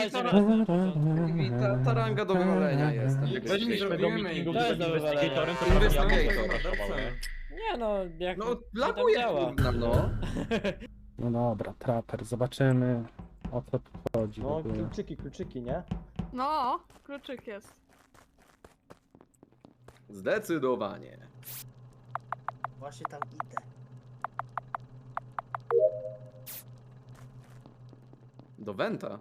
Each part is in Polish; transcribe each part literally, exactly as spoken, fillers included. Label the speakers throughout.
Speaker 1: I ta, ta ranga do wywalenia jest.
Speaker 2: Jak weszliśmy do meetingu,
Speaker 3: To
Speaker 2: gdzie
Speaker 3: jest
Speaker 2: był
Speaker 3: do wywalenia.
Speaker 2: investigatorem, to
Speaker 1: Investigator.
Speaker 2: prawie ja mu
Speaker 3: Nie no, jak
Speaker 1: No,
Speaker 3: mi tak
Speaker 1: laguje
Speaker 3: działa.
Speaker 1: kurna, no.
Speaker 4: No dobra, traper, zobaczymy o co tu chodzi w
Speaker 5: No,
Speaker 4: ogóle.
Speaker 5: kluczyki, kluczyki, nie?
Speaker 6: No, kluczyk jest.
Speaker 1: Zdecydowanie.
Speaker 7: Właśnie tam idę.
Speaker 1: Do Wenta.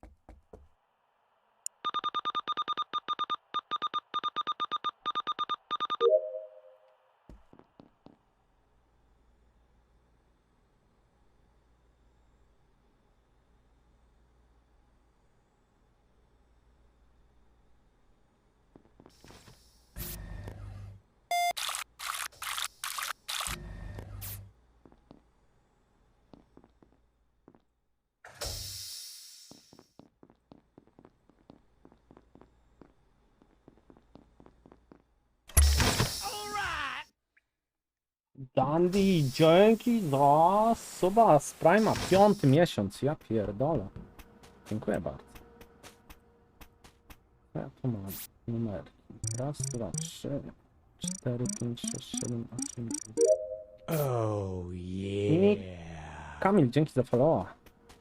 Speaker 4: Dandy, dzięki za suba z Prima, piąty miesiąc, ja pierdolę. Dziękuję bardzo. Ja tu mam numerki. Raz, dwa, trzy, cztery, pięć, sześć, siedem, osiem.
Speaker 7: Oh
Speaker 4: yeah. Kamil, dzięki za followa.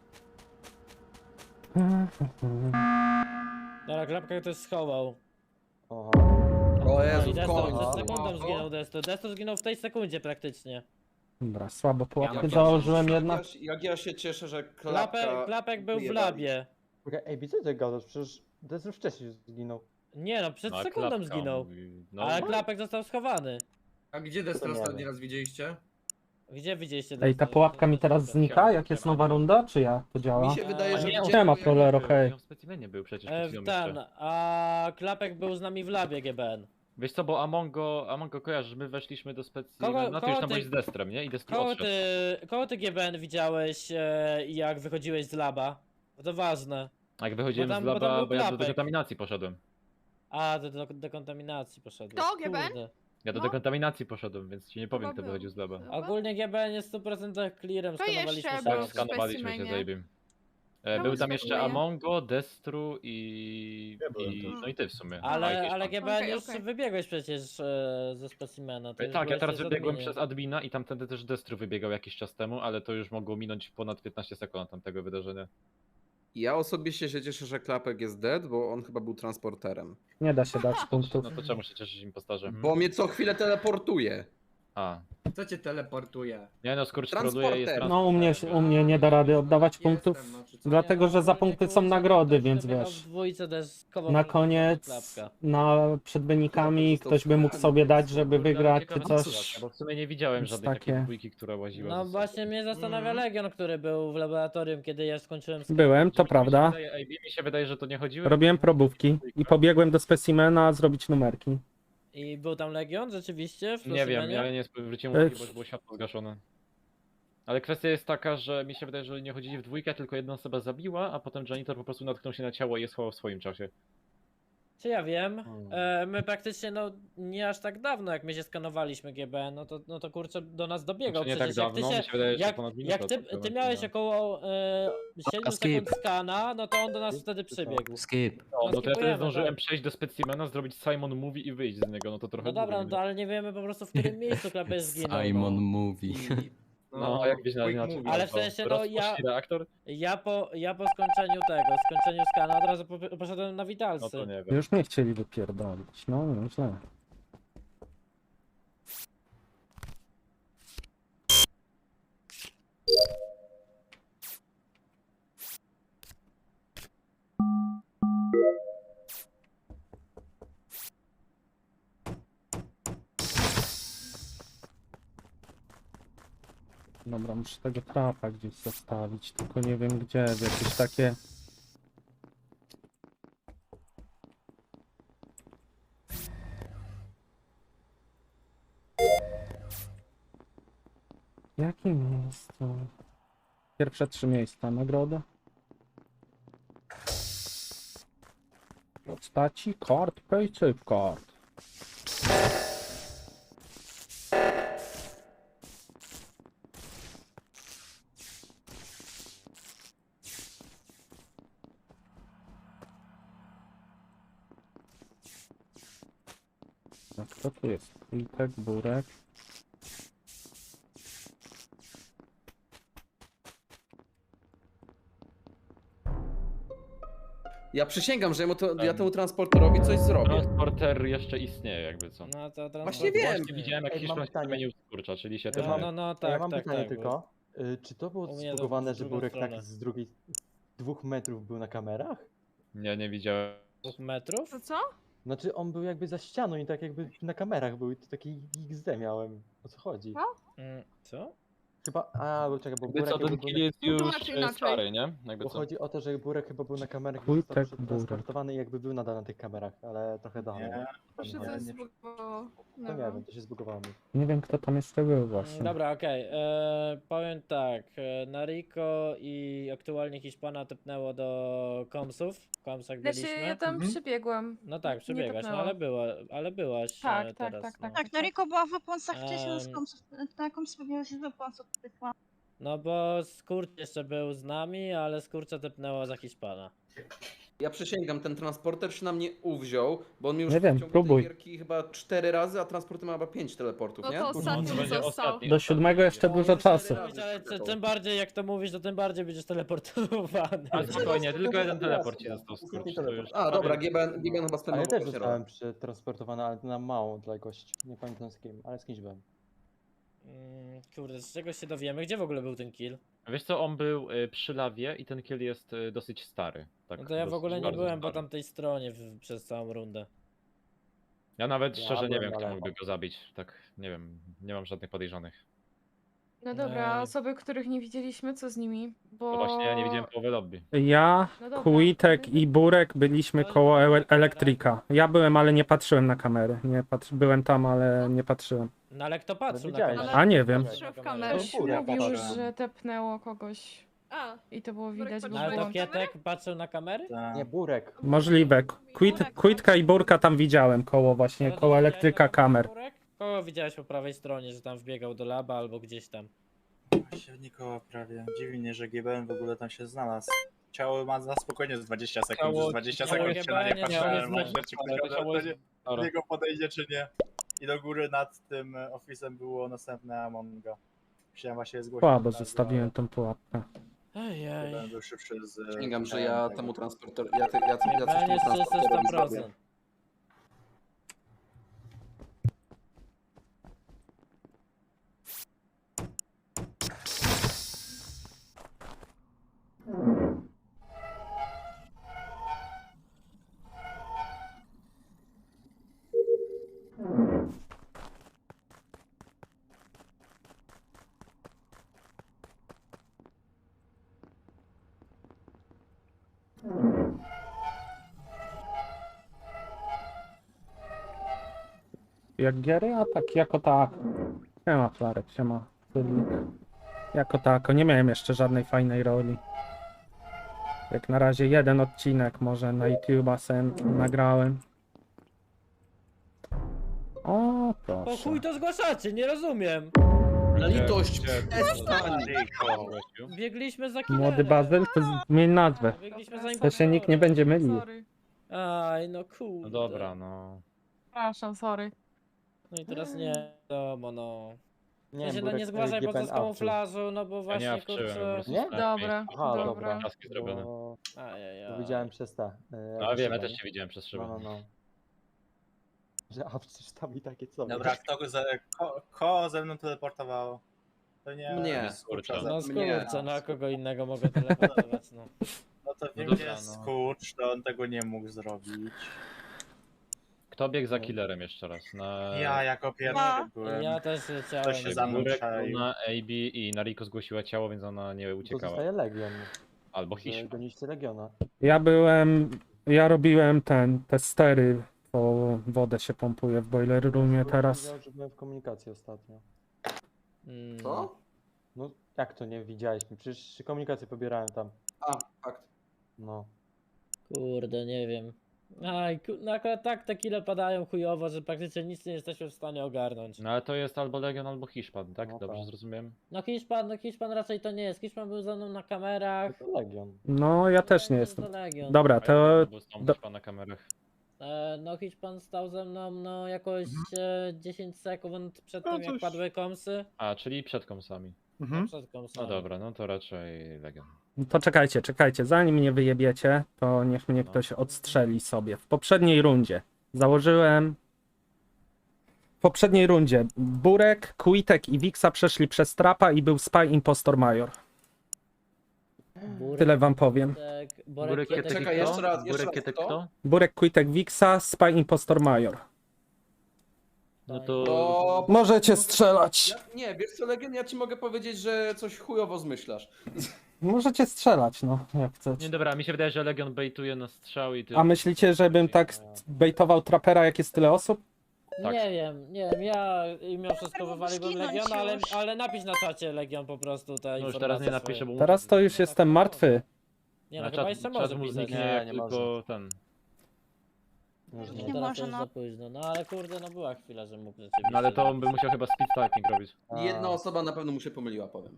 Speaker 3: Dobra, klapkę ktoś schował.
Speaker 5: Oho.
Speaker 1: O
Speaker 3: No
Speaker 1: Jezu,
Speaker 3: i
Speaker 1: w
Speaker 3: Desto,
Speaker 1: końcu.
Speaker 3: przed sekundą zginął Desto. Desto zginął w tej sekundzie praktycznie.
Speaker 4: Dobra, słabo pułapkę
Speaker 1: Jak ja
Speaker 4: założyłem
Speaker 1: się-
Speaker 4: jednak.
Speaker 1: Jak ja, się- jak ja się cieszę, że
Speaker 3: Klapek,
Speaker 1: klapka...
Speaker 3: klapek był w
Speaker 1: wyjebali.
Speaker 3: labie.
Speaker 5: Czekaj, ej, co ty gadasz? Przecież to jest już wcześniej zginął.
Speaker 3: Nie no, przed
Speaker 2: No, a
Speaker 3: sekundą
Speaker 2: klapka
Speaker 3: zginął.
Speaker 2: mówi, no,
Speaker 3: Ale klapek został schowany.
Speaker 8: A gdzie
Speaker 5: To
Speaker 8: Destra
Speaker 5: nie
Speaker 8: ostatni
Speaker 5: wiem.
Speaker 8: raz widzieliście?
Speaker 3: Gdzie widzieliście
Speaker 4: Ej, ta
Speaker 3: Desto?
Speaker 4: pułapka mi teraz znika, jak jest nowa runda, czy jak to działa?
Speaker 1: Mi się wydaje, że
Speaker 3: Nie,
Speaker 1: widziałem,
Speaker 4: Siema,
Speaker 1: jak-
Speaker 4: Prolero, hej.
Speaker 2: W specimenie był przecież
Speaker 3: E,
Speaker 2: przed chwilą
Speaker 3: ten,
Speaker 2: jeszcze.
Speaker 3: a klapek był z nami w labie G B N.
Speaker 2: Wiesz co, bo Amongo, Amongo kojarzysz, my weszliśmy do
Speaker 3: Kogo-
Speaker 2: specimena, no ty już
Speaker 3: kogo
Speaker 2: tam
Speaker 3: ty-
Speaker 2: byłeś z Destrem, nie? I Destru
Speaker 3: Kogo
Speaker 2: odszedł.
Speaker 3: ty, kogo ty G B N widziałeś e, jak wychodziłeś z laba? Bo to ważne.
Speaker 2: A jak wychodziłem
Speaker 3: bo tam-
Speaker 2: z
Speaker 3: bo tam
Speaker 2: laba,
Speaker 3: był
Speaker 2: bo ja do
Speaker 3: klapek.
Speaker 2: dekontaminacji poszedłem.
Speaker 3: A, do, do dekontaminacji poszedłeś.
Speaker 6: Kto, G B N?
Speaker 3: Kurde.
Speaker 2: Ja do
Speaker 6: No.
Speaker 2: dekontaminacji poszedłem, więc ci nie powiem,
Speaker 6: Chyba
Speaker 2: kto
Speaker 6: był.
Speaker 2: wychodził z laba.
Speaker 6: Chyba?
Speaker 3: Ogólnie G B N jest w stu procentach clearem,
Speaker 6: To
Speaker 3: skanowaliśmy
Speaker 6: jeszcze
Speaker 3: się.
Speaker 6: był
Speaker 2: Tak,
Speaker 6: w
Speaker 2: skanowaliśmy się,
Speaker 6: specimenie.
Speaker 2: zajebim. E,
Speaker 6: Czemu
Speaker 2: był tam jeszcze
Speaker 6: skakuje?
Speaker 2: Amongo, Destru i...
Speaker 5: Ja byłem
Speaker 2: i...
Speaker 5: też.
Speaker 2: no i ty w sumie. A,
Speaker 3: Ale,
Speaker 2: jakieś
Speaker 3: ale
Speaker 2: tam.
Speaker 3: G B N
Speaker 6: Okej,
Speaker 3: już
Speaker 6: okej.
Speaker 3: wybiegłeś przecież e, ze specimena. ty
Speaker 2: E,
Speaker 3: już
Speaker 2: Tak, ja
Speaker 3: byłeś
Speaker 2: teraz
Speaker 3: też w
Speaker 2: wybiegłem
Speaker 3: adminie.
Speaker 2: przez admina i tamtędy też Destru wybiegał jakiś czas temu, ale to już mogło minąć ponad piętnaście sekund od tamtego wydarzenia.
Speaker 1: Ja osobiście się cieszę, że klapek jest dead, bo on chyba był transporterem.
Speaker 4: Nie da się dać punktów.
Speaker 2: No to czemu się cieszyć impostarze?
Speaker 1: Bo mnie co chwilę teleportuje.
Speaker 2: A,
Speaker 8: Co cię teleportuje?
Speaker 2: nie no, skurcz
Speaker 1: Transporter.
Speaker 2: troluje jest
Speaker 4: No u mnie, u mnie nie da rady oddawać punktów,
Speaker 8: Jestem, no, czy co?
Speaker 4: dlatego że za punkty są nagrody, więc
Speaker 3: Przebiegał
Speaker 4: wiesz.
Speaker 3: w dwójce deskował
Speaker 4: Na
Speaker 3: klapka.
Speaker 4: koniec, na, przed wynikami ktoś by mógł sobie dać, żeby wygrać czy coś.
Speaker 2: Bo w sumie nie widziałem
Speaker 4: Jest
Speaker 2: żadnej
Speaker 4: takie-
Speaker 2: takiej dwójki, która łaziła.
Speaker 3: No
Speaker 2: ze sobą.
Speaker 3: właśnie mnie zastanawia Legion, który był w laboratorium, kiedy ja skończyłem z
Speaker 4: Byłem, to
Speaker 2: Mi się
Speaker 4: prawda.
Speaker 2: wydaje- ej, Mi się wydaje, że to nie chodziło.
Speaker 4: Robiłem probówki i pobiegłem do specimena zrobić numerki.
Speaker 3: I był tam Legion rzeczywiście w
Speaker 2: Nie wiem,
Speaker 3: specimenie?
Speaker 2: ja nie zwróciłem
Speaker 4: Ej.
Speaker 2: uwagi, bo już było światło zgaszone. Ale kwestia jest taka, że mi się wydaje, że nie chodzili w dwójkę, tylko jedna osoba zabiła, a potem janitor po prostu natknął się na ciało i je schował w swoim czasie.
Speaker 3: Czy ja wiem?
Speaker 2: Hmm.
Speaker 3: E, my praktycznie no nie aż tak dawno jak my się skanowaliśmy G B N, no to, no to kurczę do nas dobiegał.
Speaker 2: Znaczy nie
Speaker 3: Przecież
Speaker 2: tak
Speaker 3: jak ty
Speaker 2: dawno,
Speaker 3: się,
Speaker 2: mi się wydaje, że
Speaker 3: jak,
Speaker 2: ponad minutę
Speaker 3: jak ty,
Speaker 2: od tego
Speaker 3: ty miałeś
Speaker 2: momentu,
Speaker 3: około e, siedmiu
Speaker 7: skip.
Speaker 3: sekund skana, no to on do nas wtedy przybiegł.
Speaker 7: Skip.
Speaker 2: no. No to ja
Speaker 3: skipujemy,
Speaker 2: wtedy zdążyłem
Speaker 3: tak.
Speaker 2: przejść do specimena, zrobić Simon Movie i wyjść z niego, no to trochę
Speaker 3: No dobra,
Speaker 2: długo
Speaker 3: no to ale nie wiemy po prostu w którym miejscu klapy zginął.
Speaker 7: Simon
Speaker 3: No.
Speaker 7: Mówi.
Speaker 2: No, a jak byś
Speaker 8: quick
Speaker 2: inaczej.
Speaker 8: movie.
Speaker 3: Ale w sensie, no, ja-
Speaker 2: Rozpoczęli reaktor?
Speaker 3: Ja po, ja po skończeniu tego, skończeniu skana od razu po, poszedłem na
Speaker 2: No
Speaker 3: witalsy.
Speaker 2: to nie wiem.
Speaker 4: Już mnie chcieli wypierdolić, no źle. Dobra, muszę tego trapa gdzieś zostawić, tylko nie wiem gdzie, w jakieś takie... W jakim miejscu? Pierwsze trzy miejsca, nagroda. Postaci, kart, paysafe card. Co tu jest? Quitek, Burek.
Speaker 1: Ja przysięgam, że ja, mu to, ja temu transporterowi coś zrobię.
Speaker 2: Transporter jeszcze istnieje jakby co.
Speaker 3: No to tam
Speaker 1: Właśnie wiem.
Speaker 2: Właśnie widziałem jak
Speaker 5: Ej, mam
Speaker 2: Hiszpan się
Speaker 5: pytanie.
Speaker 2: zamienił w skurcza, czyli się
Speaker 3: No,
Speaker 2: też...
Speaker 3: no, no,
Speaker 5: A ja
Speaker 3: tak,
Speaker 5: mam
Speaker 3: tak,
Speaker 5: pytanie
Speaker 3: tak. bo-
Speaker 5: tylko. Y, czy to było
Speaker 3: U mnie to
Speaker 5: zbugowane,
Speaker 3: w
Speaker 5: że
Speaker 3: drugą
Speaker 5: Burek tak
Speaker 3: stronę.
Speaker 5: z drugiej... dwóch metrów był na kamerach?
Speaker 2: Nie, nie widziałem.
Speaker 3: Dwóch metrów?
Speaker 6: To co?
Speaker 5: Znaczy on był jakby za ścianą i tak jakby na kamerach był i to taki X D miałem. O co chodzi?
Speaker 3: Mm, Co?
Speaker 5: Chyba... A, bo czekaj, bo
Speaker 2: Jakby
Speaker 5: Burek
Speaker 2: co,
Speaker 5: jakby
Speaker 2: ten
Speaker 5: był
Speaker 2: kill
Speaker 5: na...
Speaker 2: jest już
Speaker 6: Tłumacz
Speaker 2: e,
Speaker 6: inaczej.
Speaker 2: stary, nie? Jakby
Speaker 5: Bo
Speaker 2: co.
Speaker 5: chodzi o to, że Burek chyba był na kamerach i
Speaker 4: Wójtek
Speaker 5: został
Speaker 4: Burek.
Speaker 5: przetransportowany i jakby był nadal na tych kamerach, ale trochę dalej.
Speaker 7: Nie,
Speaker 6: To się
Speaker 5: nie,
Speaker 6: coś
Speaker 5: nie.
Speaker 6: zbugowało.
Speaker 5: To nie wiem, to się zbugowało mi.
Speaker 4: Nie wiem kto tam jeszcze był
Speaker 3: Mm,
Speaker 4: właśnie.
Speaker 3: Dobra, okej. e, Powiem tak. e, Nariko i aktualnie Hiszpana tepnęło do komsów. W komsach
Speaker 9: Znaczy,
Speaker 3: byliśmy.
Speaker 9: ja tam
Speaker 8: Mhm.
Speaker 9: przybiegłam.
Speaker 3: No tak,
Speaker 9: nie
Speaker 3: przebiegłaś, no
Speaker 9: tepnęło.
Speaker 3: ale była, ale byłaś
Speaker 9: Tak,
Speaker 3: e,
Speaker 9: tak,
Speaker 3: teraz.
Speaker 9: tak, tak.
Speaker 3: no.
Speaker 10: Tak, Noriko była w oponsach wcześniej, z
Speaker 3: Em.
Speaker 10: komsów, na komsów pewnie się z oponsów pytła.
Speaker 3: No bo Skurcz jeszcze był z nami, ale Skurcza tepnęło za Hiszpana.
Speaker 1: Ja przysięgam, ten transporter się na mnie uwziął, bo on mi już
Speaker 4: Nie wiem,
Speaker 1: w ciągu
Speaker 4: próbuj.
Speaker 1: tej gierki chyba cztery razy, a transporter ma chyba pięć teleportów,
Speaker 6: No
Speaker 1: nie?
Speaker 6: to
Speaker 2: No,
Speaker 6: ostatni
Speaker 2: to
Speaker 6: mi
Speaker 2: będzie
Speaker 6: został.
Speaker 2: ostatni.
Speaker 4: Do siódmego jeszcze dużo czasu.
Speaker 3: Ale ty- tym bardziej jak to mówisz, to tym bardziej będziesz teleportowany.
Speaker 2: Ale spokojnie, tylko jeden teleport ci został
Speaker 5: Ostatni
Speaker 2: skurcz. To
Speaker 5: teleport.
Speaker 2: już
Speaker 1: A, dobra,
Speaker 2: prawie-
Speaker 1: G B N, G B N chyba
Speaker 5: A ja
Speaker 1: spędzał
Speaker 5: też
Speaker 1: właśnie
Speaker 5: zostałem
Speaker 1: rok.
Speaker 5: przetransportowany, ale na małą odległość. Nie pamiętam z kim, ale z kimś byłem.
Speaker 3: Mm, Kurde, z czego się dowiemy? Gdzie w ogóle był ten kill?
Speaker 2: Wiesz co, on był y, przy lawie i ten kill jest y, dosyć stary. Tak,
Speaker 3: No to ja w
Speaker 2: dosyć
Speaker 3: ogóle nie
Speaker 2: bardzo
Speaker 3: byłem po
Speaker 2: stary.
Speaker 3: tamtej stronie w, przez całą rundę.
Speaker 2: Ja nawet
Speaker 5: Ja
Speaker 2: szczerze nie
Speaker 5: byłem
Speaker 2: wiem,
Speaker 5: na
Speaker 2: kto
Speaker 5: lewo.
Speaker 2: mógłby go zabić. Tak, nie wiem, nie mam żadnych podejrzanych.
Speaker 9: No dobra, a
Speaker 3: Ej.
Speaker 9: osoby, których nie widzieliśmy, co z nimi? Bo...
Speaker 2: No właśnie, ja nie widziałem połowy lobby.
Speaker 4: Ja,
Speaker 9: No dobra.
Speaker 4: Quitek i Burek byliśmy koło ele- elektryka. Ja byłem, ale nie patrzyłem na kamery. Nie patr- byłem tam, ale nie patrzyłem.
Speaker 3: No ale kto patrzył na
Speaker 5: widziałeś.
Speaker 3: kamerę?
Speaker 4: A nie wiem.
Speaker 6: Patrzę w kamerę.
Speaker 9: Ktoś
Speaker 5: Burek
Speaker 9: mówił,
Speaker 5: patrzyłem.
Speaker 9: że tepnęło kogoś
Speaker 6: A,
Speaker 9: i to było widać, bo
Speaker 6: Burek
Speaker 3: No ale to
Speaker 9: było...
Speaker 3: Kietek patrzył na kamery?
Speaker 7: tak.
Speaker 5: Nie, Burek.
Speaker 4: Możliwe. Quit, Quitka i Burka tam widziałem koło właśnie,
Speaker 3: No to
Speaker 4: koło
Speaker 3: widziałeś
Speaker 4: elektryka
Speaker 3: na kamerę,
Speaker 4: kamer.
Speaker 3: Burek? Kogo widziałeś po prawej stronie, że tam wbiegał do laba albo gdzieś tam?
Speaker 7: Się nikogo prawie. Dziwi mnie, że G B N w ogóle tam się znalazł. Ciało ma na spokojnie z dwadzieścia sekund,
Speaker 2: Ciało-
Speaker 7: już dwadzieścia
Speaker 3: ciało
Speaker 7: sekund się na nie
Speaker 3: G B N nie
Speaker 7: patrzyłem,
Speaker 3: miało
Speaker 7: że
Speaker 3: znaczenia,
Speaker 7: czy
Speaker 2: ale
Speaker 7: ktoś
Speaker 2: ciało
Speaker 7: ode
Speaker 2: jest-
Speaker 7: mnie
Speaker 2: Dobra.
Speaker 7: do niego podejdzie, czy nie. I do góry nad tym e, ofisem było następne Amonga. Chciałem właśnie zgłosić.
Speaker 4: Słabo
Speaker 7: od razu,
Speaker 4: zostawiłem tą pułapkę.
Speaker 7: ale G B N
Speaker 3: Ejej.
Speaker 7: był szybszy z... e,
Speaker 1: Przysięgam, że
Speaker 7: tego.
Speaker 1: ja temu transporter, ja, te, ja, ja coś
Speaker 3: Chyba
Speaker 1: temu
Speaker 3: jest czysty
Speaker 1: transporterowi
Speaker 3: sto
Speaker 1: zrobię.
Speaker 3: procent.
Speaker 4: Jak giery, a tak jako tak. Siema Flarek, siema Fyrlik. Jako tako, nie miałem jeszcze żadnej fajnej roli. Jak na razie jeden odcinek może na YouTube'a sen nagrałem. O,
Speaker 3: Po
Speaker 4: proszę.
Speaker 3: chuj to zgłaszacie, nie rozumiem.
Speaker 1: Na litość,
Speaker 2: Gdzie-
Speaker 1: przestań!
Speaker 2: Gościu.
Speaker 3: Biegliśmy za killerem.
Speaker 4: Młody Bazyl, to zmień nazwę.
Speaker 3: Biegliśmy za
Speaker 4: To się nikt nie
Speaker 3: impostorem.
Speaker 4: będzie mylił.
Speaker 9: Sorry.
Speaker 3: Aj, no kurde.
Speaker 2: No dobra, no.
Speaker 9: Przepraszam, sorry.
Speaker 3: No i teraz nie wiadomo, no.
Speaker 5: Nie,
Speaker 3: Ja się no
Speaker 5: Burek
Speaker 3: nie zgłaszaj
Speaker 5: G
Speaker 3: po
Speaker 5: B N
Speaker 3: co z
Speaker 5: awczył.
Speaker 3: kamuflażu, no bo
Speaker 2: Ja nie
Speaker 3: właśnie
Speaker 2: awczyłem, po
Speaker 3: kurczę...
Speaker 2: prostu
Speaker 5: Nie?
Speaker 2: stałem w
Speaker 9: Dobra,
Speaker 2: miejscu.
Speaker 5: Aha,
Speaker 9: dobra.
Speaker 5: dobra.
Speaker 2: Taski zrobione.
Speaker 5: Bo...
Speaker 3: Ajajaj.
Speaker 5: bo widziałem przez te. e,
Speaker 2: No
Speaker 5: jakby
Speaker 2: wiem, ja
Speaker 5: szybę,
Speaker 2: też
Speaker 5: nie?
Speaker 2: cię widziałem przez szybę.
Speaker 5: No, no, no. Że awczysz tam i takie co?
Speaker 7: Dobra, kto ze, ko, ko ze mną teleportowało? To nie...
Speaker 1: Mnie.
Speaker 7: Skurcza ze-
Speaker 3: No
Speaker 1: Mnie.
Speaker 3: skurczę, no a kogo innego mogę teleportować, no.
Speaker 7: No to wiem,
Speaker 2: dobra,
Speaker 7: gdzie jest
Speaker 2: no.
Speaker 7: Skurcz, to on tego nie mógł zrobić.
Speaker 2: Kto biegł za killerem jeszcze raz? Na...
Speaker 7: Ja jako pierwszy
Speaker 10: Ja.
Speaker 7: byłem.
Speaker 3: Ja też leciałem.
Speaker 7: To się za mną
Speaker 2: Burek,
Speaker 7: przejł.
Speaker 2: Luna, A B i Nariko zgłosiła ciało, więc ona nie
Speaker 5: To
Speaker 2: uciekała.
Speaker 5: zostaje Legion.
Speaker 2: Albo
Speaker 5: Że
Speaker 2: Hiszpan.
Speaker 5: goniście Legiona.
Speaker 4: Ja byłem, ja robiłem ten, te stery, bo wodę się pompuje w boiler roomie
Speaker 5: Burek
Speaker 4: teraz.
Speaker 5: powiedział, że byłem w komunikacji ostatnio.
Speaker 3: Mm.
Speaker 1: Co?
Speaker 5: No jak to nie widziałeś mi? Przecież komunikację pobierałem tam.
Speaker 1: A, fakt.
Speaker 5: No.
Speaker 3: Kurde, nie wiem. Aj, ku- no akurat tak te kile padają chujowo, że praktycznie nic nie jesteśmy w stanie ogarnąć.
Speaker 2: No ale to jest albo Legion, albo Hiszpan, tak?
Speaker 5: No
Speaker 2: Dobrze
Speaker 5: tak.
Speaker 2: zrozumiałem?
Speaker 3: No Hiszpan, no Hiszpan raczej to nie jest. Hiszpan był ze mną na kamerach.
Speaker 5: To Legion.
Speaker 4: No, ja też nie
Speaker 3: Legion
Speaker 4: jestem.
Speaker 3: to Legion.
Speaker 4: Dobra,
Speaker 2: A
Speaker 4: to
Speaker 2: ja był z tą
Speaker 4: do-
Speaker 2: Hiszpan na kamerach.
Speaker 3: E, no Hiszpan stał ze mną no jakoś e, dziesięć sekund przed
Speaker 2: No
Speaker 3: tym jak
Speaker 2: coś-
Speaker 3: padły komsy.
Speaker 2: A, czyli przed komsami.
Speaker 3: No, przed komsami.
Speaker 2: No dobra, no to raczej Legion.
Speaker 4: To czekajcie, czekajcie, zanim mnie wyjebiecie, to niech mnie ktoś odstrzeli sobie. W poprzedniej rundzie założyłem... W poprzedniej rundzie Burek, Quitek i Wixa przeszli przez trapa i był Spy Impostor Major.
Speaker 3: Burek,
Speaker 4: Tyle wam powiem.
Speaker 3: Kietek, Borek,
Speaker 2: Burek,
Speaker 3: Kietek,
Speaker 2: Kietek,
Speaker 1: Czekaj,
Speaker 2: kto?
Speaker 1: jeszcze raz, jeszcze
Speaker 2: Burek,
Speaker 1: raz,
Speaker 2: Kietek,
Speaker 1: kto?
Speaker 2: kto?
Speaker 4: Burek, Quitek, Wixa, Spy Impostor Major.
Speaker 2: No to...
Speaker 1: To...
Speaker 4: Możecie strzelać.
Speaker 1: Ja, nie, wiesz co, Legion, ja ci mogę powiedzieć, że coś chujowo zmyślasz.
Speaker 4: Możecie strzelać, no, jak
Speaker 2: Nie,
Speaker 4: chcecie.
Speaker 2: dobra, mi się wydaje, że Legion baituje na strzał i ty...
Speaker 4: A myślicie, żebym tak baitował trapera, jak jest tyle osób?
Speaker 2: Tak.
Speaker 3: Nie wiem, nie wiem, ja i mimo wszystko
Speaker 10: Mógłby
Speaker 3: wywaliłbym
Speaker 10: zginąć
Speaker 3: Legion, ale,
Speaker 10: już.
Speaker 3: ale napisz na czacie Legion po prostu te
Speaker 2: No już
Speaker 3: informacje
Speaker 2: teraz nie napiszę,
Speaker 3: swoje.
Speaker 2: bo...
Speaker 4: Teraz to już jestem martwy.
Speaker 3: Nie no,
Speaker 2: Na
Speaker 3: chyba
Speaker 2: czat-
Speaker 3: jeszcze
Speaker 2: czat
Speaker 3: może
Speaker 2: mu
Speaker 3: pisać.
Speaker 2: zniknie,
Speaker 5: Nie,
Speaker 2: jak
Speaker 5: nie
Speaker 2: tylko ten...
Speaker 5: Może
Speaker 3: No
Speaker 5: nie.
Speaker 3: teraz
Speaker 10: może,
Speaker 3: to już
Speaker 10: no.
Speaker 3: za późno, no ale kurde, no była chwila, że mógł rzeczywiście...
Speaker 2: No ale to on by musiał chyba speed typing robić.
Speaker 5: A,
Speaker 1: Jedna osoba na pewno mu się pomyliła, powiem.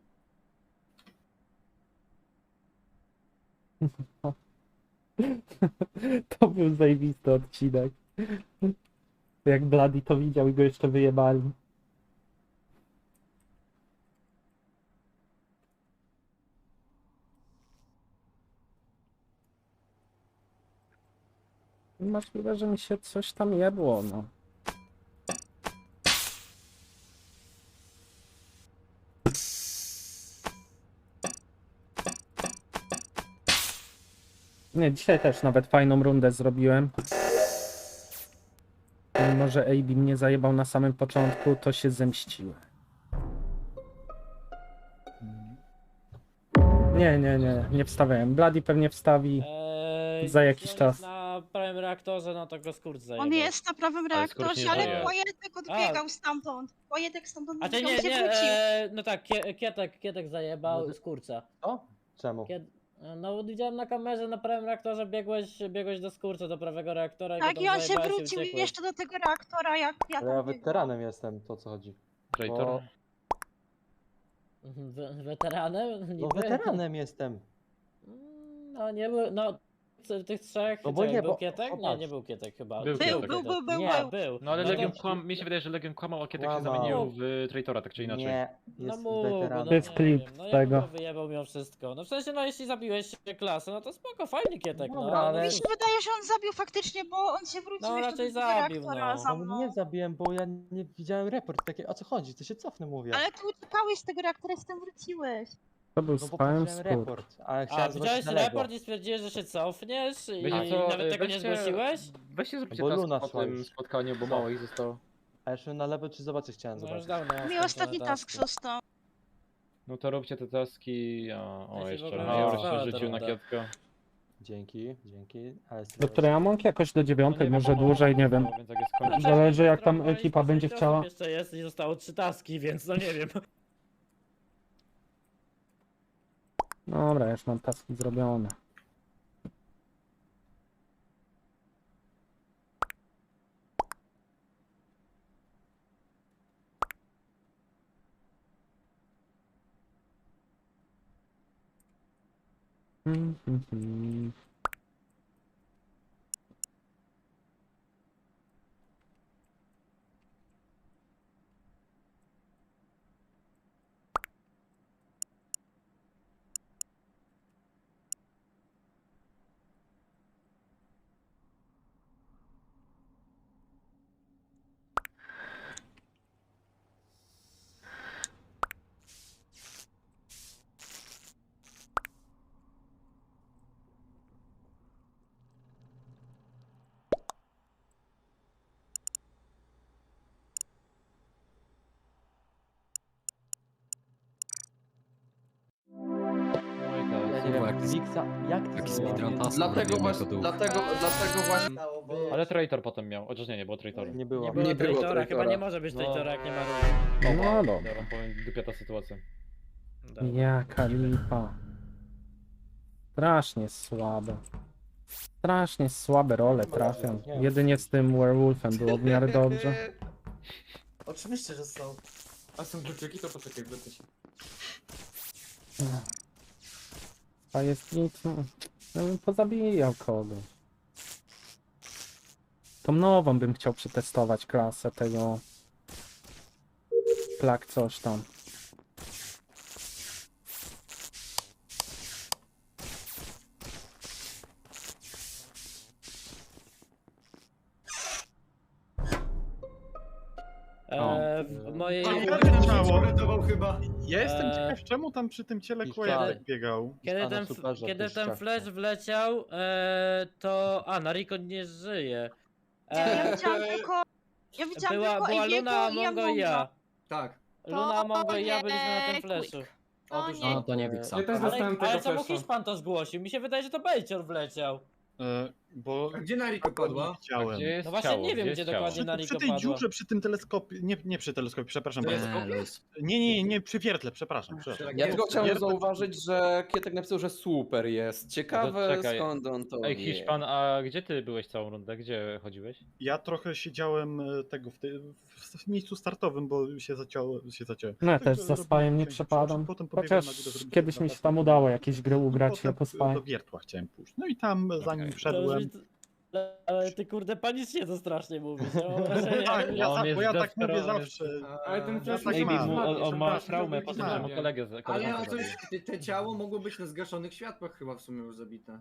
Speaker 4: To był zajebisty odcinek. Jak Bloody to widział i go jeszcze wyjebali. Możliwe, że mi się coś tam jebło, no. Nie, dzisiaj też nawet fajną rundę zrobiłem. Mimo, że A B mnie zajebał na samym początku, to się zemściłem. Nie, nie, nie, nie wstawiałem. Bloody pewnie wstawi.
Speaker 3: Eee,
Speaker 4: Za jakiś
Speaker 3: on
Speaker 4: czas.
Speaker 3: jest na prawym reaktorze, no to go skurcz zajebał.
Speaker 10: On jest na prawym
Speaker 2: Ale skoro
Speaker 10: reaktorze,
Speaker 2: nie
Speaker 10: ale
Speaker 2: żyje.
Speaker 10: Pojetek odbiegał stamtąd. Pojetek stamtąd
Speaker 3: A ty
Speaker 10: odbiegał
Speaker 3: nie,
Speaker 10: i się
Speaker 3: nie,
Speaker 10: wrócił.
Speaker 3: e, no tak, kie, Kietek, Kietek zajebał
Speaker 5: No
Speaker 3: z kurca.
Speaker 5: Co? Czemu?
Speaker 3: Kiet, no widziałem na kamerze na prawym reaktorze, biegłeś, biegłeś do skurca, do prawego reaktora i go
Speaker 10: Tak,
Speaker 3: tam
Speaker 10: i on się
Speaker 3: zajebałeś
Speaker 10: wrócił i
Speaker 3: uciekłeś.
Speaker 10: jeszcze do tego reaktora, jak ja
Speaker 5: Ale
Speaker 10: tam
Speaker 5: ja
Speaker 10: biegłam.
Speaker 5: weteranem jestem, to o co chodzi.
Speaker 2: Traitor?
Speaker 5: Bo-
Speaker 3: Mhm, We, weteranem?
Speaker 5: No
Speaker 3: Niby?
Speaker 5: weteranem jestem.
Speaker 3: Mm, No nie był, no c- tych trzech,
Speaker 5: No bo
Speaker 3: czekaj,
Speaker 5: nie,
Speaker 3: był
Speaker 5: bo-
Speaker 3: Kietek? Nie,
Speaker 5: popatrz.
Speaker 3: nie był Kietek chyba.
Speaker 2: Był
Speaker 10: Był,
Speaker 2: Kietek.
Speaker 10: był, był, był,
Speaker 5: Nie.
Speaker 10: był.
Speaker 3: Był.
Speaker 2: No ale
Speaker 3: no
Speaker 2: Legion
Speaker 3: to-
Speaker 2: kłam... mi się wydaje, że Legion kłamał, a Kietek się
Speaker 5: Kłamał.
Speaker 2: zamienił w Traitora, tak czy inaczej.
Speaker 5: Nie,
Speaker 3: No
Speaker 5: jest
Speaker 3: mógł, no
Speaker 5: weteranem.
Speaker 4: To jest
Speaker 3: nie
Speaker 4: klip
Speaker 3: wiem, no
Speaker 4: z
Speaker 3: ja
Speaker 4: tego.
Speaker 3: go wyjebał mimo wszystko. No w sensie, no jeśli zabiłeś klasę, no to spoko, fajny Kietek, no.
Speaker 5: Dobra, ale-
Speaker 10: Mi się wydaje, że on zabił faktycznie, bo on się wrócił
Speaker 3: No,
Speaker 10: jeszcze
Speaker 3: raczej
Speaker 10: do tego
Speaker 3: zabił,
Speaker 10: reaktora
Speaker 3: no.
Speaker 10: za
Speaker 5: No
Speaker 10: mną.
Speaker 5: nie zabiłem, bo ja nie widziałem report. Takie, o co chodzi? To się cofnę, mówię.
Speaker 10: Ale ty uciekałeś z tego reaktora i z tym wróciłeś.
Speaker 4: To był
Speaker 5: No bo
Speaker 4: spałem
Speaker 5: widziałem
Speaker 4: skór.
Speaker 5: report, ale
Speaker 3: A,
Speaker 5: chciałem
Speaker 3: widziałeś
Speaker 5: zobaczyć na lewo.
Speaker 3: raport i stwierdziłeś, że się cofniesz i
Speaker 2: Wiecie co,
Speaker 3: nawet tego nie
Speaker 2: weźcie-
Speaker 3: zgłosiłeś?
Speaker 2: Weźcie zróbcie
Speaker 5: Bo
Speaker 2: task
Speaker 5: Luna
Speaker 2: po
Speaker 5: szła
Speaker 2: tym
Speaker 5: już.
Speaker 2: spotkaniu, bo
Speaker 5: Co?
Speaker 2: mało ich zostało.
Speaker 5: A jeszcze na lewo czy zobaczyć chciałem
Speaker 3: No już
Speaker 5: zobaczyć.
Speaker 3: dawno.
Speaker 10: Mi
Speaker 3: skończone
Speaker 10: ostatni task
Speaker 3: taski.
Speaker 10: został.
Speaker 2: No to róbcie te taski, a... O,
Speaker 3: Ja się w
Speaker 2: jeszcze
Speaker 3: ogóle
Speaker 5: nie
Speaker 2: Major
Speaker 3: zastanawiałem
Speaker 2: się rzucił na
Speaker 3: ta
Speaker 2: Kietka.
Speaker 5: Dzięki, dzięki. Ale
Speaker 4: Doktor Among jakoś do
Speaker 2: No
Speaker 4: dziewiątej,
Speaker 2: nie
Speaker 4: może
Speaker 2: wiem,
Speaker 4: dłużej, nie wiem.
Speaker 2: Więc jak jest
Speaker 3: No,
Speaker 2: kończy...
Speaker 4: Zależy, jak tam
Speaker 3: Spróbowaliśmy
Speaker 4: ekipa będzie
Speaker 3: sześć
Speaker 4: chciała.
Speaker 3: osób Jeszcze jest i zostało trzy taski, więc no nie wiem.
Speaker 4: Dobra, już mam taski zrobione. Mm, mm, mm.
Speaker 2: No i
Speaker 5: Ja
Speaker 2: teraz.
Speaker 5: nie wiem,
Speaker 11: jak to jest-
Speaker 5: Wixa, jak to
Speaker 11: Jaki
Speaker 5: zrobiłem?
Speaker 11: speedrun task
Speaker 1: Dlatego
Speaker 11: robiłem
Speaker 1: właśnie,
Speaker 11: jako duch.
Speaker 1: dlatego, dlatego właśnie...
Speaker 2: Ale Traitor potem miał, chociaż nie, nie było Traitora.
Speaker 5: Nie było.
Speaker 3: Nie było
Speaker 1: Nie było
Speaker 3: traitora, chyba
Speaker 1: traitora.
Speaker 3: nie może być
Speaker 2: No.
Speaker 3: traitora, jak nie ma roli.
Speaker 4: No
Speaker 2: Ja
Speaker 4: dobra.
Speaker 2: wam powiem, dupia ta sytuacja.
Speaker 3: Dobra.
Speaker 4: Jaka lipa. Strasznie słabe. Strasznie słabe role trafią. Jedynie z tym werewolfem było w miarę dobrze.
Speaker 8: Oczywiście, że są. A są kluczyki, to poczekaj, wrócę się.
Speaker 4: A jest nic, no, ja bym pozabijał kogoś. Tą nową bym chciał przetestować klasę tego... Plak coś tam.
Speaker 3: E, w mojej...
Speaker 8: Uratował chyba.
Speaker 11: Ja jestem
Speaker 3: Eee,
Speaker 11: ciekaw, czemu tam przy tym ciele
Speaker 5: i
Speaker 11: Kłajatek
Speaker 3: wtedy-
Speaker 11: biegał.
Speaker 3: Kiedy
Speaker 5: Pana
Speaker 3: ten,
Speaker 5: superza
Speaker 3: kiedy
Speaker 5: też
Speaker 3: ten
Speaker 5: chciał.
Speaker 3: flash wleciał, e, to... A, Nariko nie żyje.
Speaker 10: Nie, ja
Speaker 3: E,
Speaker 10: widziałam tylko... Ja widziałam
Speaker 3: była
Speaker 10: tylko
Speaker 3: była
Speaker 10: Ebiego
Speaker 3: Luna,
Speaker 10: i
Speaker 3: Amongo i ja.
Speaker 10: Amonga.
Speaker 8: Tak.
Speaker 3: Luna, Amongo i ja byliśmy na tym
Speaker 6: nie,
Speaker 3: flashu.
Speaker 8: Otóż
Speaker 10: nie.
Speaker 8: no.
Speaker 12: to nie Wiksa.
Speaker 8: Ja też
Speaker 3: Ale,
Speaker 8: dostałem tego
Speaker 3: ale czemu
Speaker 8: flasha.
Speaker 3: Hiszpan to zgłosił? Mi się wydaje, że to Bejcior wleciał.
Speaker 11: E, bo
Speaker 8: A gdzie Nariko padła?
Speaker 11: widziałem.
Speaker 2: Gdzie jest
Speaker 3: No właśnie
Speaker 2: ciało?
Speaker 3: nie wiem,
Speaker 2: Gdzie
Speaker 3: gdzie
Speaker 2: jest ciało?
Speaker 3: dokładnie
Speaker 11: Przy,
Speaker 3: Nariko
Speaker 11: przy tej
Speaker 3: padła.
Speaker 11: dziurze, przy tym teleskopie, nie, nie przy teleskopie, przepraszam
Speaker 8: To
Speaker 11: bardzo.
Speaker 8: jest
Speaker 12: Nie, luz.
Speaker 11: Nie, nie, nie, przy wiertle, przepraszam. przepraszam.
Speaker 1: Ja tylko chciałem
Speaker 11: Wiertle-
Speaker 1: zauważyć, że Kietek napisał, że super jest. Ciekawe
Speaker 2: czekaj.
Speaker 1: skąd on to
Speaker 2: Ej,
Speaker 1: wie.
Speaker 2: Hiszpan, a gdzie ty byłeś całą rundę? Gdzie chodziłeś?
Speaker 11: Ja trochę siedziałem e, tego w, ty, w miejscu startowym, bo się zaciąłem. Się zaciąłem.
Speaker 4: No ja
Speaker 11: Tak,
Speaker 4: też
Speaker 11: to
Speaker 4: za
Speaker 11: robiłem
Speaker 4: spajem nie
Speaker 11: część
Speaker 4: przepadam.
Speaker 11: rzeczy, potem pobiegłem
Speaker 4: Chociaż
Speaker 11: na górę, zrobić
Speaker 4: kiedyś mi się
Speaker 11: zapasy.
Speaker 4: tam udało jakieś gry ugrać
Speaker 11: Potem
Speaker 4: jako
Speaker 11: do
Speaker 4: spaj.
Speaker 11: wiertła chciałem pójść. No i tam zanim
Speaker 2: Okej.
Speaker 11: wszedłem.
Speaker 3: Ale, ale ty kurde panicznie to strasznie mówisz. Ja mam wrażenie,
Speaker 11: Tak,
Speaker 3: jak-
Speaker 11: ja,
Speaker 2: on
Speaker 11: za,
Speaker 2: jest
Speaker 11: bo ja tak mówię
Speaker 2: zdesperowany.
Speaker 11: zawsze.
Speaker 8: Ale ten flash
Speaker 11: tak
Speaker 8: musi
Speaker 11: mam.
Speaker 8: być
Speaker 2: Maybe mu, on, on ma
Speaker 8: przepraszam,
Speaker 2: traumę
Speaker 8: żeby
Speaker 2: po tym,
Speaker 8: być
Speaker 2: że mu
Speaker 8: na-
Speaker 2: kolegę z
Speaker 8: Ale
Speaker 2: koleżankę
Speaker 8: a
Speaker 2: zabił.
Speaker 8: coś, te, te ciało mogło być na zgaszonych światłach chyba w sumie już zabite.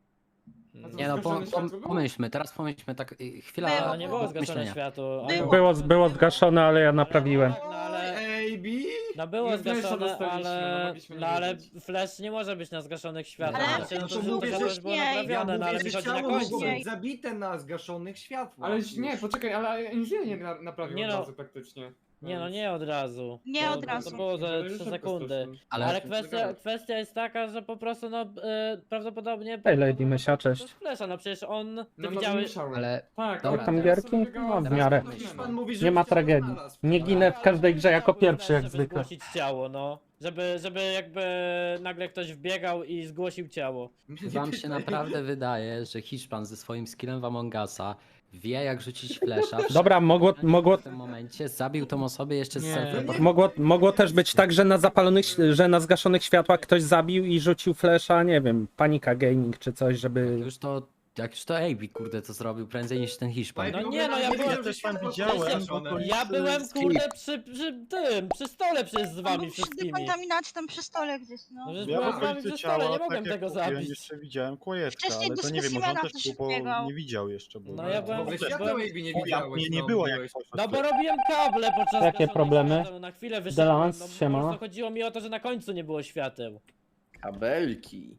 Speaker 12: Nie no, pom, pom, pomyślmy, teraz pomyślmy tak, y, chwila
Speaker 10: Było,
Speaker 3: No nie było zgaszone
Speaker 12: myślenia.
Speaker 3: światło.
Speaker 10: Było.
Speaker 4: Było, było zgaszone, ale ja naprawiłem.
Speaker 3: No ale...
Speaker 8: Ej, bi?
Speaker 3: No było
Speaker 8: My flasha
Speaker 3: zgaszone,
Speaker 8: dostaliśmy, no
Speaker 3: ale...
Speaker 8: mogliśmy nie
Speaker 3: No ale
Speaker 8: wiedzieć.
Speaker 3: flash nie może być na zgaszonych światłach.
Speaker 10: Ale
Speaker 3: Znaczy, no to,
Speaker 10: to
Speaker 3: to,
Speaker 10: mówię,
Speaker 3: to
Speaker 10: że
Speaker 3: już było
Speaker 10: nie, ja
Speaker 3: naprawione, no ale mi chodzi na końcu.
Speaker 10: być
Speaker 8: zabite na zgaszonych światłach. Ale nie, poczekaj, ale inżynier nie na- naprawił
Speaker 3: Nie
Speaker 8: od
Speaker 3: no.
Speaker 8: razu praktycznie.
Speaker 3: Nie no, nie od razu.
Speaker 10: Nie
Speaker 3: To-
Speaker 10: od razu.
Speaker 3: To było za
Speaker 8: Żeby
Speaker 3: trzy
Speaker 8: szybko
Speaker 3: sekundy.
Speaker 8: stosunki.
Speaker 12: Ale-
Speaker 3: Ale kwestia, kwestia jest taka, że po prostu no e, prawdopodobnie...
Speaker 4: Hej Lady Mysia,
Speaker 3: To
Speaker 4: cześć.
Speaker 3: jest flesza, no przecież on... Ty
Speaker 8: No, no,
Speaker 3: widziałeś...
Speaker 8: musiałem.
Speaker 12: Ale
Speaker 8: Tak,
Speaker 12: Dobra,
Speaker 8: ale
Speaker 4: tam
Speaker 8: teraz
Speaker 4: gierki?
Speaker 8: sobie wybiegała
Speaker 4: No, w
Speaker 8: z-
Speaker 4: miarę.
Speaker 8: Pan mówi, że
Speaker 4: Nie ma
Speaker 8: ciało
Speaker 4: tragedii.
Speaker 8: znalazł.
Speaker 4: Nie ginę w każdej grze jako
Speaker 3: Był
Speaker 4: pierwszy
Speaker 3: ten,
Speaker 4: jak
Speaker 3: żeby
Speaker 4: zwykle.
Speaker 3: zgłosić ciało, no. Żeby, żeby jakby nagle ktoś wbiegał i zgłosił ciało.
Speaker 12: wam się naprawdę wydaje, że Hiszpan ze swoim skillem w Among Usa wie jak rzucić flesza.
Speaker 4: Dobra, mogło, mogło,
Speaker 12: W tym momencie zabił tą osobę jeszcze z
Speaker 8: Nie.
Speaker 12: self
Speaker 4: mogło, mogło też być tak, że na zapalonych, że na zgaszonych światłach ktoś zabił i rzucił flesza, nie wiem, Panika Gaming czy coś, żeby...
Speaker 12: Już to, jak już to A B kurde to zrobił prędzej niż ten Hiszpan.
Speaker 3: No nie, no ja byłem-
Speaker 11: Ja też tam widziałem. bo to
Speaker 3: Ja
Speaker 11: jest,
Speaker 3: byłem
Speaker 11: e,
Speaker 3: kurde przy, przy tym, przy stole przecież z
Speaker 10: On
Speaker 3: wami
Speaker 10: był przy
Speaker 3: wszystkimi.
Speaker 10: dekontaminacji tam przy stole gdzieś, no.
Speaker 3: No, że
Speaker 11: Ja w
Speaker 3: byłem z wami
Speaker 11: okolicy
Speaker 3: przy stole,
Speaker 11: ciała,
Speaker 3: nie mogłem
Speaker 11: tak jak
Speaker 3: tego
Speaker 11: mówiłem,
Speaker 3: zabić.
Speaker 11: jeszcze widziałem Kłajetka,
Speaker 10: Wcześniej
Speaker 11: ale
Speaker 10: do
Speaker 11: to nie wiem, może on
Speaker 10: specimena
Speaker 11: też
Speaker 10: ktoś
Speaker 11: był, bo
Speaker 10: biegał.
Speaker 11: nie widział jeszcze. Bo
Speaker 3: No ja byłem-
Speaker 8: W ogóle
Speaker 3: byłem-
Speaker 8: światła jakby nie
Speaker 11: Ja,
Speaker 8: widziałeś.
Speaker 11: mnie nie
Speaker 8: no,
Speaker 11: było jak
Speaker 8: mówiłeś.
Speaker 11: coś.
Speaker 3: No bo robiłem kable podczas
Speaker 4: Jakie
Speaker 3: gaszonych
Speaker 4: problemy?
Speaker 3: świateł, na chwilę wyszedłem,
Speaker 4: Delance,
Speaker 3: no po
Speaker 4: siema.
Speaker 3: prostu chodziło mi o to, że na końcu nie było świateł.
Speaker 1: Kabelki.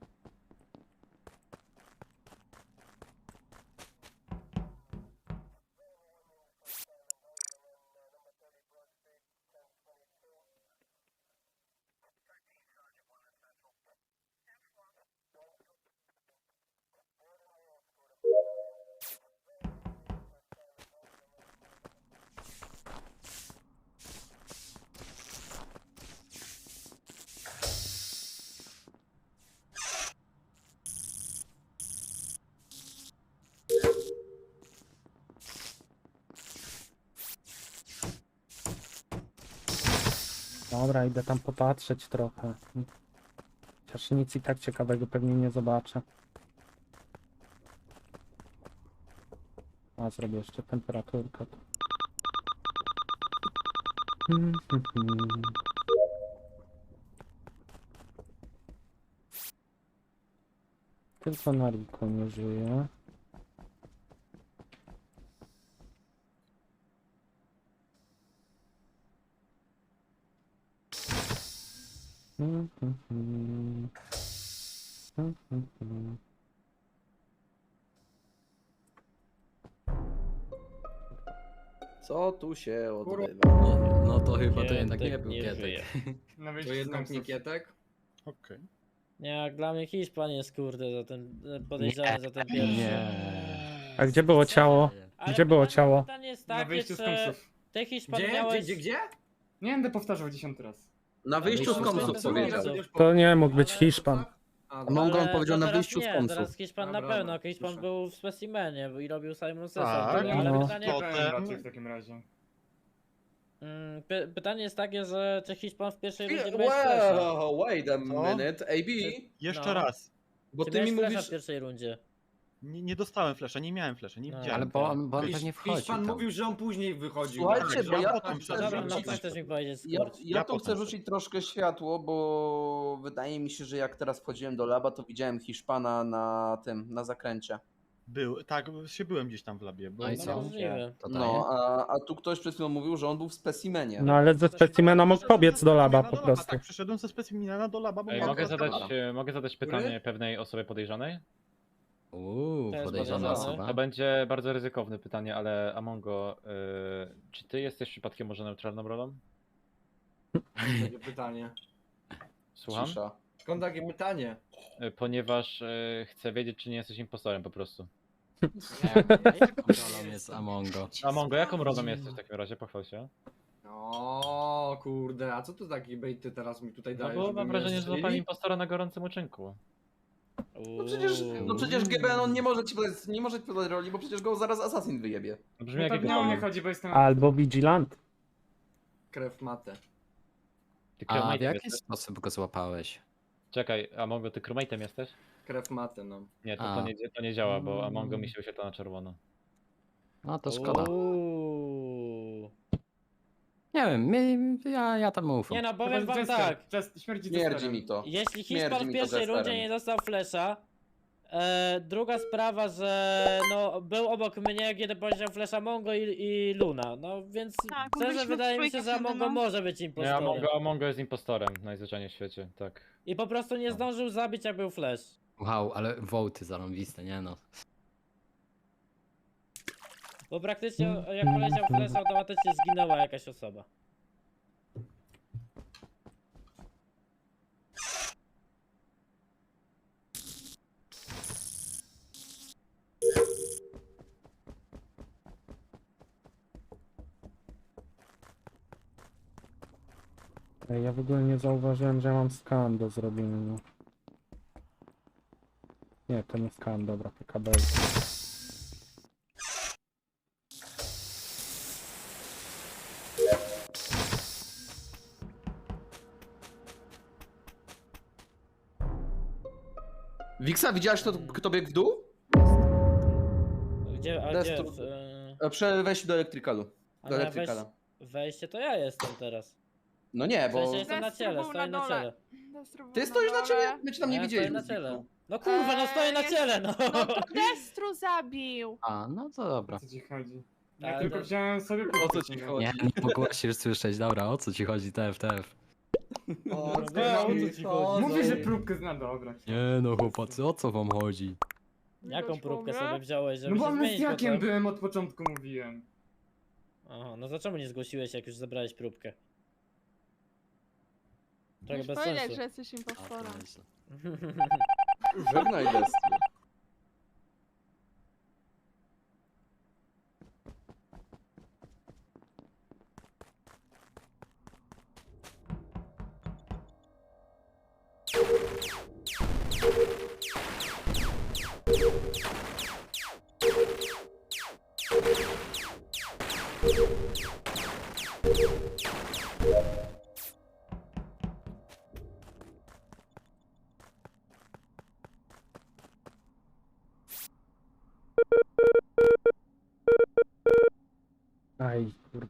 Speaker 4: Dobra, idę tam popatrzeć trochę. Chociaż nic i tak ciekawego pewnie nie zobaczę. A, zrobię jeszcze temperaturkę. tu. Hmm, hmm, hmm. Tylko Nariko nie żyje. Hmm, hmm, hmm. Hmm, hmm, hmm.
Speaker 1: Co tu się odbywa?
Speaker 12: No, no to chyba to jednak nie
Speaker 3: Kietek
Speaker 12: był
Speaker 3: nie
Speaker 12: Kietek.
Speaker 3: żyje.
Speaker 8: Na
Speaker 7: To
Speaker 8: wyjściu
Speaker 7: jednak
Speaker 8: z
Speaker 7: nie
Speaker 8: komsów.
Speaker 7: Kietek?
Speaker 11: Okej.
Speaker 3: Nie, jak dla mnie Hiszpan jest kurde za ten, podejrzany za ten pierwszy.
Speaker 12: Nie.
Speaker 4: A gdzie było ciało?
Speaker 3: Ale
Speaker 4: Gdzie było
Speaker 3: pytanie-
Speaker 4: ciało?
Speaker 3: Pytanie jest
Speaker 8: Na
Speaker 3: takie,
Speaker 8: wyjściu z
Speaker 3: czy
Speaker 8: komsów.
Speaker 3: ty Hiszpan
Speaker 7: Gdzie?
Speaker 3: miałeś...
Speaker 7: Gdzie, gdzie, gdzie?
Speaker 8: Nie będę powtarzał dziesiąty raz.
Speaker 1: Na wyjściu z
Speaker 3: wyjściu z
Speaker 1: komsów
Speaker 3: komsów.
Speaker 1: powiedział.
Speaker 4: To nie mógł być Hiszpan.
Speaker 7: A,
Speaker 1: Mongo on
Speaker 3: Ale
Speaker 1: powiedział
Speaker 3: to
Speaker 1: na
Speaker 3: teraz
Speaker 1: wyjściu z
Speaker 3: nie,
Speaker 1: komsów.
Speaker 3: teraz Hiszpan na
Speaker 7: Dobra,
Speaker 3: pewno,
Speaker 7: dobra,
Speaker 3: Hiszpan
Speaker 7: proszę.
Speaker 3: był w specimenie i robił Simon Session,
Speaker 11: Tak,
Speaker 3: ale
Speaker 4: no.
Speaker 3: pytanie...
Speaker 11: To-
Speaker 8: Potem
Speaker 11: Potem-
Speaker 8: raczej w takim razie.
Speaker 3: Mm, py pytanie jest takie, że czy Hiszpan w pierwszej rundzie miałeś flasha?
Speaker 1: Well, wait a minute. A B,
Speaker 11: Jeszcze
Speaker 3: No.
Speaker 11: raz.
Speaker 1: bo
Speaker 3: Czy
Speaker 1: ty mi
Speaker 3: miałeś flasha
Speaker 1: mówisz...
Speaker 3: w pierwszej rundzie?
Speaker 11: Nie, nie dostałem flesza, nie miałem flesza, nie
Speaker 3: No,
Speaker 11: widziałem.
Speaker 12: Ale bo on, bo on
Speaker 8: Hisz-
Speaker 12: pewnie wchodził
Speaker 8: Hiszpan
Speaker 12: tam.
Speaker 8: mówił, że on później wychodził.
Speaker 1: Słuchajcie,
Speaker 8: Tak,
Speaker 1: bo ja
Speaker 11: potem
Speaker 1: chcę
Speaker 11: wszedłem.
Speaker 3: Dobra, no
Speaker 1: rzucić-
Speaker 3: co chcesz mi powiedzieć,
Speaker 1: Ja,
Speaker 3: Skurcz?
Speaker 1: ja
Speaker 11: Ja
Speaker 1: tu
Speaker 11: potem
Speaker 1: chcę
Speaker 11: sobie.
Speaker 1: rzucić troszkę światło, bo wydaje mi się, że jak teraz wchodziłem do laba, to widziałem Hiszpana na tym, na zakręcie.
Speaker 11: Był, tak, się byłem gdzieś tam w labie. Bo
Speaker 12: No i
Speaker 3: No
Speaker 12: co?
Speaker 3: możliwe.
Speaker 12: To daje?
Speaker 1: No, a, a tu ktoś przed chwilą mówił, że on był w specimenie.
Speaker 4: No ale ze specimena mógł pobiec do laba po prostu.
Speaker 11: Tak, przyszedłem ze specimena do laba, bo
Speaker 2: Ej,
Speaker 11: miałem
Speaker 2: mogę
Speaker 11: flesza.
Speaker 2: zadać, e, mogę zadać pytanie pewnej osobie podejrzanej?
Speaker 12: Uuu,
Speaker 3: To jest
Speaker 12: podejrzana
Speaker 3: podejrzane.
Speaker 12: osoba.
Speaker 2: To będzie bardzo ryzykowne pytanie, ale Amongo, y, czy ty jesteś przypadkiem może neutralną rolą?
Speaker 8: Takie pytanie.
Speaker 2: Słucham?
Speaker 1: Cisza.
Speaker 8: Skąd takie pytanie?
Speaker 2: Y, Ponieważ y, chcę wiedzieć, czy nie jesteś impostorem po prostu.
Speaker 12: Jaką rolą jest Amongo?
Speaker 2: Amongo, jaką rolą jesteś w takim razie? Pochwal się.
Speaker 8: O kurde, a co to takie bejty teraz mi tutaj
Speaker 2: No
Speaker 8: dajesz?
Speaker 2: bo
Speaker 8: żeby
Speaker 2: mam
Speaker 8: mnie
Speaker 2: wrażenie, że
Speaker 8: strzelili?
Speaker 2: złapali impostora na gorącym uczynku.
Speaker 1: No przecież, no przecież G B N on nie może ci podać, nie może ci podać roli, bo przecież go zaraz Assassin wyjebie.
Speaker 2: No brzmi jak
Speaker 8: Pewnie
Speaker 2: jego
Speaker 8: o mnie chodzi, bo jestem
Speaker 4: Albo Vigilant.
Speaker 8: krew matę.
Speaker 2: Ty
Speaker 12: A w
Speaker 2: crewmate'em
Speaker 12: jaki
Speaker 2: jesteś?
Speaker 12: sposób go złapałeś?
Speaker 2: Czekaj, Amongo, ty crewmate'em jesteś?
Speaker 8: Krew matę, no.
Speaker 2: Nie, to,
Speaker 12: A.
Speaker 2: to, nie, to nie działa, bo Amongo mi się wyświetla na czerwono.
Speaker 12: No to szkoda.
Speaker 3: Uuu.
Speaker 12: Nie wiem, mi, ja, ja tam ufam.
Speaker 3: Nie no, powiem wam tak.
Speaker 1: Śmierdzi mi to.
Speaker 3: Jeśli
Speaker 1: Śmierdzi
Speaker 3: Hiszpan w
Speaker 1: mi to
Speaker 3: pierwszej
Speaker 1: Jesterem.
Speaker 3: rundzie nie dostał flesza, e, druga sprawa, że no był obok mnie, kiedy powiedział flesza Mongo i, i Luna, no więc
Speaker 10: Tak,
Speaker 3: szczerze
Speaker 10: byliśmy
Speaker 3: wydaje mi
Speaker 10: w
Speaker 3: się,
Speaker 10: trójkę
Speaker 3: że
Speaker 10: wtedy,
Speaker 3: Mongo
Speaker 10: no.
Speaker 3: może być
Speaker 2: Nie,
Speaker 3: impostorem.
Speaker 2: Amongo, Amongo jest impostorem najzwyczajniej w świecie, tak.
Speaker 3: I po prostu nie zdążył zabić, jak był flash.
Speaker 12: Wow, ale wołty zarąbiste, nie no.
Speaker 3: Bo praktycznie jak poleciał flash, automatycznie zginęła jakaś osoba.
Speaker 4: Ej, ja w ogóle nie zauważyłem, że ja mam skan do zrobienia. Nie, to nie skan, dobra, P K B.
Speaker 1: Wiksa, widziałeś kto, kto biegł w dół?
Speaker 3: Gdzie, a gdzie?
Speaker 1: Destru-
Speaker 3: W, e,
Speaker 1: E, Przy wejściu do elektrykalu.
Speaker 3: a
Speaker 1: Do
Speaker 3: na
Speaker 1: elektrykala.
Speaker 3: wejś- wejście to ja jestem teraz.
Speaker 1: No nie,
Speaker 3: W
Speaker 1: bo
Speaker 3: sensie jestem na
Speaker 6: Destru
Speaker 3: ciele,
Speaker 6: był
Speaker 3: stoję
Speaker 6: na
Speaker 3: na
Speaker 6: dole.
Speaker 3: ciele.
Speaker 6: Destru był
Speaker 1: ty stoisz na
Speaker 6: dole.
Speaker 1: ciele? My cię tam nie
Speaker 3: Ja stoję
Speaker 1: widzieliśmy.
Speaker 3: na
Speaker 1: z Wiksą.
Speaker 3: ciele. No kurwa, no stoję na
Speaker 6: Eee,
Speaker 3: ciele, no!
Speaker 6: No to Destru zabił.
Speaker 12: A, no to dobra.
Speaker 5: Co ci chodzi?
Speaker 3: Ja
Speaker 5: Ja
Speaker 3: tylko
Speaker 5: tylko wziąłem sobie
Speaker 1: O co ci chodzi?
Speaker 12: Nie, nie mogłaś się słyszeć, dobra, o co ci chodzi, T F, T F?
Speaker 5: O,
Speaker 3: No, o co ci chodzi?
Speaker 5: Mówię, że próbkę zna, dobra.
Speaker 12: Nie no chłopacy, o co wam chodzi?
Speaker 3: Jaką
Speaker 6: Widać
Speaker 3: próbkę
Speaker 6: mogę?
Speaker 3: sobie wziąłeś, żeby
Speaker 5: No bo
Speaker 3: się zmienić
Speaker 5: amnestiakiem
Speaker 3: potem?
Speaker 5: byłem od początku, mówiłem.
Speaker 3: Aha, no to czemu nie zgłosiłeś, jak już zebrałeś próbkę? Trochę
Speaker 6: Musisz
Speaker 3: bez
Speaker 6: powiedzieć,
Speaker 3: sensu.
Speaker 6: że jesteś
Speaker 12: A, to
Speaker 6: impostorem.
Speaker 12: nieźle.
Speaker 1: Żegnaj Destru.
Speaker 4: Aj, kurde.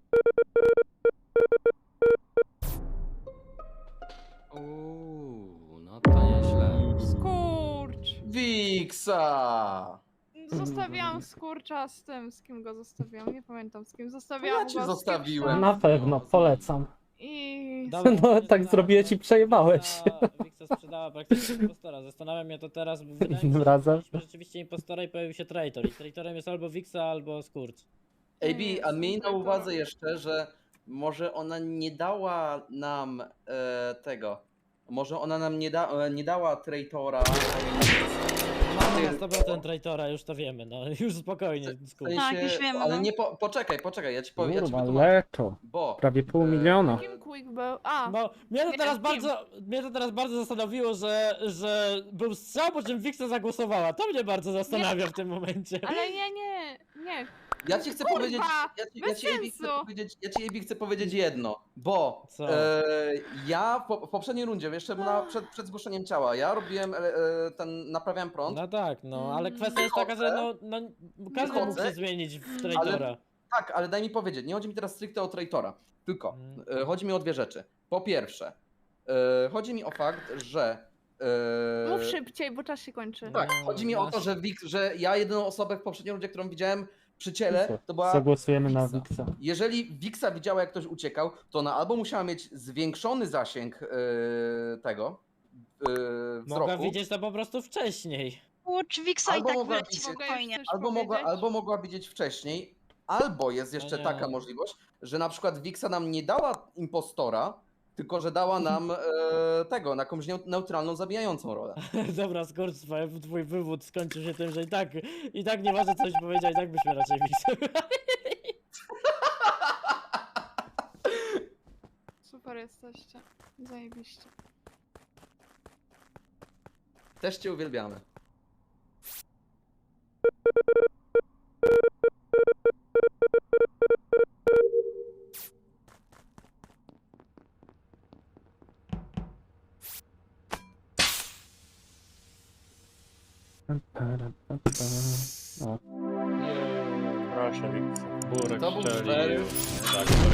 Speaker 12: Uuu, no to nieźle.
Speaker 6: Skurcz!
Speaker 1: Wiksa!
Speaker 6: Zostawiałam skurcza z tym, z kim go zostawiłam. Nie pamiętam z kim. Zostawiałam
Speaker 1: Ja cię
Speaker 6: go z
Speaker 1: zostawiłem.
Speaker 6: Kipsem
Speaker 4: Na pewno, polecam.
Speaker 6: I...
Speaker 3: Dobra,
Speaker 4: No,
Speaker 3: nie
Speaker 4: tak
Speaker 3: sprzedała,
Speaker 4: zrobiłeś i
Speaker 3: Wiksa
Speaker 4: przejebałeś.
Speaker 3: sprzedała- Wiksa sprzedała praktycznie impostora. Zastanawia mnie to teraz, bo wydaje mi się,
Speaker 4: Innym
Speaker 3: że
Speaker 4: razem.
Speaker 3: mieliśmy rzeczywiście impostora i pojawił się traitor. I traitorem jest albo Wiksa, albo Skurcz.
Speaker 1: A B, a miej na uwadze jeszcze, że może ona nie dała nam e, tego. Może ona nam nie, da, e, nie dała traitora.
Speaker 3: Mamy na
Speaker 1: Ty-
Speaker 3: sto procent traitora, już to wiemy, no już spokojnie,
Speaker 1: W
Speaker 3: Skurcz.
Speaker 10: Tak, już wiemy,
Speaker 1: ale
Speaker 10: no.
Speaker 1: nie po, poczekaj, poczekaj, ja ci powiem, ja ci
Speaker 4: Kurwa,
Speaker 1: wytłumaczę.
Speaker 4: leto.
Speaker 1: Bo
Speaker 4: Prawie pół
Speaker 1: E,
Speaker 4: miliona.
Speaker 6: Kim Quick był? A!
Speaker 3: Bo mnie to
Speaker 6: Nie,
Speaker 3: teraz
Speaker 6: kim?
Speaker 3: bardzo, mnie to teraz bardzo zastanowiło, że, że był strzał, po czym Wiksa zagłosowała. To mnie bardzo zastanawia w tym momencie.
Speaker 6: Ale nie, nie, nie.
Speaker 1: Ja ci chcę
Speaker 6: Kurwa,
Speaker 1: powiedzieć, ja ci, ja
Speaker 6: bez
Speaker 1: ci, Ebi, chcę
Speaker 6: sensu.
Speaker 1: powiedzieć, ja ci Ebi, chcę powiedzieć jedno, bo
Speaker 3: Co?
Speaker 1: e, ja w, po, w poprzedniej rundzie, jeszcze na, przed, przed zgłoszeniem ciała, ja robiłem, e, e, ten, naprawiałem prąd,
Speaker 3: No tak, no, ale
Speaker 6: Mm.
Speaker 3: kwestia jest taka, że no, no każdy mógł
Speaker 1: Wychodzę,
Speaker 3: się zmienić w
Speaker 6: ale-
Speaker 3: traitora.
Speaker 1: tak, ale daj mi powiedzieć, nie chodzi mi teraz stricte o traitora, tylko
Speaker 3: Mm.
Speaker 1: e, chodzi mi o dwie rzeczy. Po pierwsze, e, chodzi mi o fakt, że e,
Speaker 6: Mów szybciej, bo czas się kończy.
Speaker 1: tak,
Speaker 3: No,
Speaker 1: chodzi mi o to,
Speaker 3: masz-
Speaker 1: że, Wik, że ja jedyną osobę w poprzedniej rundzie, którą widziałem przy ciele, to była
Speaker 4: Zagłosujemy na
Speaker 1: Wixa.
Speaker 4: Wixa.
Speaker 1: Jeżeli Wixa widziała, jak ktoś uciekał, to ona albo musiała mieć zwiększony zasięg yy, tego yy,
Speaker 3: Mogła
Speaker 1: wzroku,
Speaker 3: widzieć to po prostu wcześniej.
Speaker 10: Kurcz, Wiksa i
Speaker 1: Albo
Speaker 10: tak
Speaker 1: mogła
Speaker 10: wyleci
Speaker 1: widzieć-
Speaker 10: spokojnie.
Speaker 6: Coś
Speaker 1: albo, mogła,
Speaker 6: powiedzieć?
Speaker 1: albo mogła widzieć wcześniej, albo jest jeszcze
Speaker 3: nie.
Speaker 1: taka możliwość, że na przykład Wixa nam nie dała impostora, tylko że dała nam e, tego, na jakąś neu- neutralną, zabijającą rolę.
Speaker 3: Dobra, skurcz, twój wywód skończył się tym, że i tak, i tak nieważne coś powiedział, i tak byśmy raczej Wixa.
Speaker 6: Super jesteście. Zajebiście.
Speaker 1: Też cię uwielbiamy.
Speaker 4: O,
Speaker 2: Proszę, Wiksa. Burek
Speaker 1: To był
Speaker 2: strzelił.
Speaker 1: fair.
Speaker 2: Tak,